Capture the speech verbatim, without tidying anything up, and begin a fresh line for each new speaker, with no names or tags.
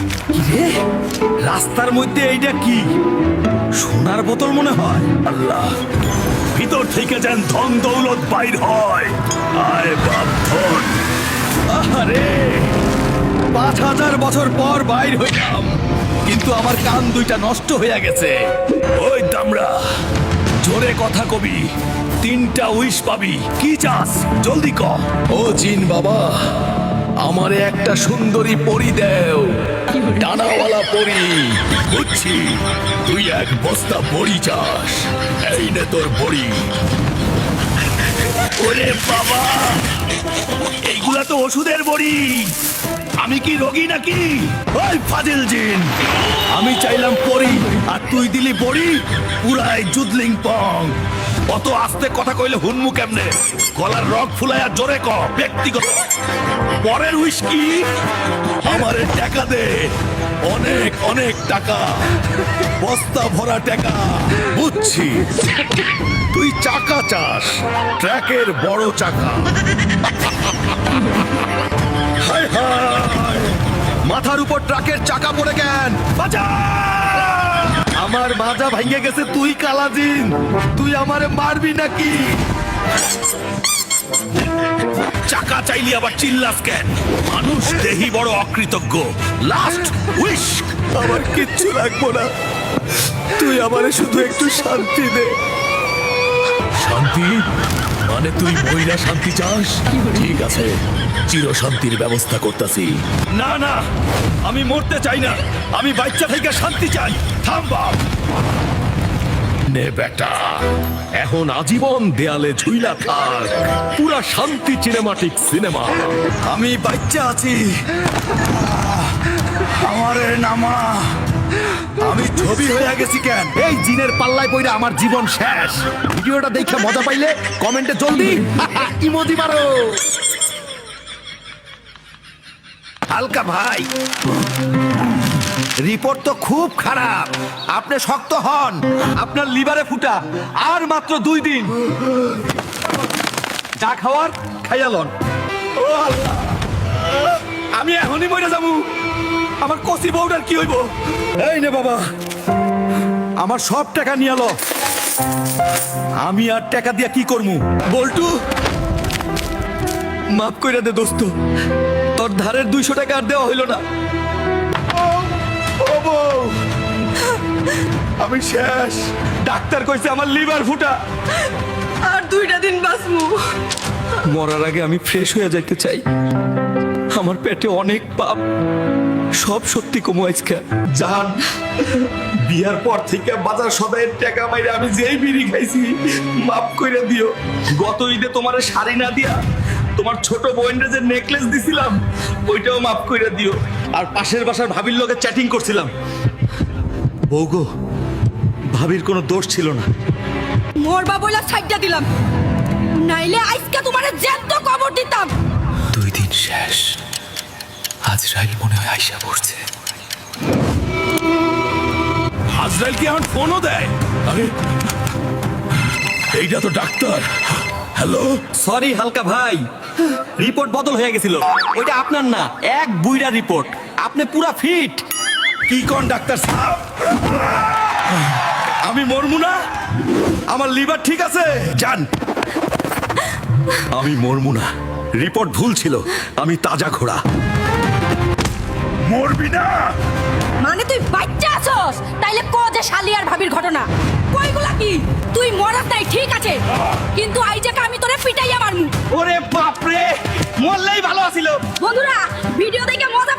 কিরে রাস্তার মধ্যে এইটা কি সোনার বোতল মনে হয়।
আল্লাহ, ভিতর থেকে যেন ধন দৌলত বাইর হয়। আয় বাপ ধন।
আরে পাঁচ হাজার বছর পর বাইর হইলাম, কিন্তু আমার কান দুইটা নষ্ট হইয়া গেছে।
ওই দামড়া, জোরে কথা কবি, তিনটা উইশ পাবি। কি চাস জলদি ক।
ও জিন বাবা, আমারে একটা সুন্দরী পরি দেও, ডানাওয়ালা পরি।
বুঝছি, তুই এক বস্তা বড়ি চাস। এই নে তোর বড়ি। ওরে বাবা, এইগুলা তো ওষুধের বড়ি। আমি কি রোগী নাকি? ওই ফাজিল জিন, আমি চাইলাম পরি আর তুই দিলি বড়ি। পুরাই জুদলিং পং। অত আস্তে কথা কইলে হুনমু কেমনে? গলার রগ ফুলাইয়া জোরে ক। ব্যক্তিগত পরের হুইস্কি আমারে টাকা দে, অনেক অনেক টাকা, বস্তা ভরা টাকা। বুঝছি, তুই চাকা চাস, ট্র্যাকের বড় চাকা। হায় হায়,
মাথার উপর ট্রাকের চাকা পড়ে কেন?
বাঁচা!
আমার মাজা ভাঙে গেছে। তুই কালাজিন, তুই আমারে মারবি নাকি?
চাকা চাইলি আবার চিল্লাস কেন? মানুষ দেহি বড় অকৃতজ্ঞ। Last wish.
আমার কিচ্ছু লাগবো না, তুই আমারে শুধু একটু শান্তি দে।
শান্তি মানে তুই মহিলা শান্তি চাস? ঠিক আছে, চির শান্তির ব্যবস্থা করতেছি। না না, আমি মরতে চাই না, আমি বাচ্চা থেকে শান্তি চাই। থাম বাপ। নে বেটা, এখন আজীবন দেয়ালে ঝুইলা থাক। পুরা শান্তি সিনেমাটিক সিনেমা।
আমি বাচ্চা আছি, আমারে নামা। আমি ছবি হয়ে গেছি কেন?
এই জিনের পাল্লায় পইরা আমার জীবন শেষ। ভিডিওটা দেখে মজা পাইলে কমেন্টে জলদি ইমোজি মারো।
হালকা ভাই, রিপোর্ট তো খুব খারাপ। আপনি শক্ত হন।
আপনার লিভারে ফুটা, আর মাত্র দুই দিন। যা খাওয়ার খাইয়ালন। ও আল্লাহ, আমি এখনই মরে যাবো। আমার কচি বউটার কি হইব? এই নে বাবা, আমার সব টাকা নিয়ে আলো। আমি আর টাকা দিয়া কি করমু? বল্টু, মাফ কইরা দে দোস্ত, তোর ধারের দুইশো টাকা আর দেওয়া হইল না। ও বউ, আমি শেষ। ডাক্তার কইছে আমার লিভার ফুটা।
আর দুইটা দিন বাঁচমু।
মরার আগে আমি ফ্রেশ হয়ে যাইতে চাই। আমার পেটে অনেক পাপ, সব সত্যি কমু আজকে। জান, বিয়ার পর থেকে বাজার সদাইয়ের টাকা মাইরে আমি যেই বিড়ি খাইছি, মাফ কইরা দিও। গত ঈদে তোমার শাড়ি না দিয়া তোমার ছোট বোনের যে নেকলেস দিছিলাম, ওইটাও মাফ কইরা দিও। আর পাশের বাসার ভাবির লগে চ্যাটিং করছিলাম। বউগো, ভাবির কোনো দোষ ছিল না।
মরবা বইলা সাইডটা দিলাম, নাইলে আজকে তোমারে জ্যান্ত কবর দিতাম।
দুই দিন শেষ, আজরাইল মনে হয় আইসা পড়ছে।
আজরাইল কি এখন ফোনও দেয়? আরে এইটা তো ডাক্তার। হ্যালো,
সরি হালকা ভাই, রিপোর্ট বদল হয়ে গেছিল। ওইটা আপনার না, এক বুইড়া রিপোর্ট। আপনি পুরা ফিট।
কি কোন ডাক্তার সাহেব?
আমি মরমু না, আমার লিভার ঠিক আছে।
যান। আমি মরমু না, রিপোর্ট ভুল ছিল। আমি তাজা ঘোড়া। মরবি না?
মানে তুই বাচ্চা আছস? তাইলে ক যে শালি আর ভাবির ঘটনা কইগুলা কি? তুই মরাস নাই ঠিক আছে, কিন্তু আইজাকে আমি তোরে পিটাইয়া মারমু।
ওরে বাপ রে, মরলেই ভালো আছিল।
বন্ধুরা, ভিডিও দেখে মজা